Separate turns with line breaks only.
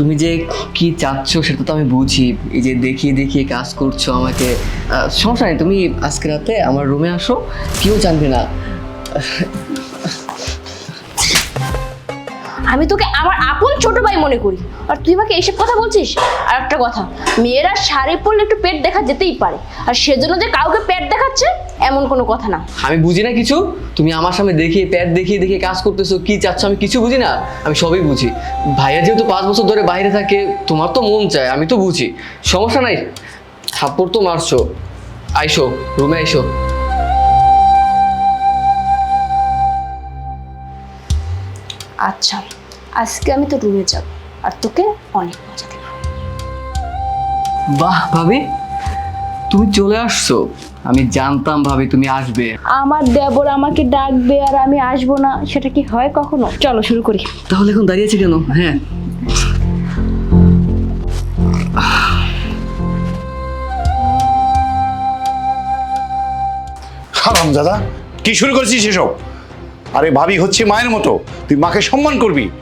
তুমি যে কি চাচ্ছ সেটা তো আমি বুঝি। এই যে দেখিয়ে দেখিয়ে কাজ করছো আমাকে। সমস্যা নেই, তুমি আজকে রাতে আমার রুমে আসো, কেউ জানবে না।
আমি তোকে আমার আপন ছোট ভাই মনে করি, আর তুই আমাকে এইসব কথা বলছিস। আর একটা কথা, মেয়েরা শাড়ি পরলে একটু পেট দেখা যেতেই পারে, আর সেজন্য যে কাউকে পেট দেখাচ্ছে এমন কোনো কথা না।
আমি বুঝি না কিছু, তুমি আমার সামনে দেখিয়ে প্যাট দেখিয়ে দেখিয়ে কাজ করতেছো, কি চাচ্ছ আমি কিছু বুঝি না। আমি সবই বুঝি। ভাইয়া যেহেতু 5 বছর ধরে বাইরে থাকে, তোমার তো মন চায়, আমি তো বুঝি। সমস্যা নাই, থাপ্পড় তো মারছো। আইসো রুমে, আইসো।
আচ্ছা, আজকে আমি তো রুমে যাব আর তোকে অনেক মজা দেব।
বাহ ভাবি, তুমি চলে আসছো। আমি জানতাম ভাবি তুমি আসবে।
আমার দেবর আমাকে ডাকবে আর আমি আসবো না, সেটা কি হয় কখনো? চলো শুরু করি।
তাহলে এখন দাঁড়িয়ে আছে কেন? হ্যাঁ,
হারামজাদা, কি শুরু করেছিস এসব? আরে ভাবি হচ্ছে মায়ের মতো, তুই মাকে সম্মান করবি।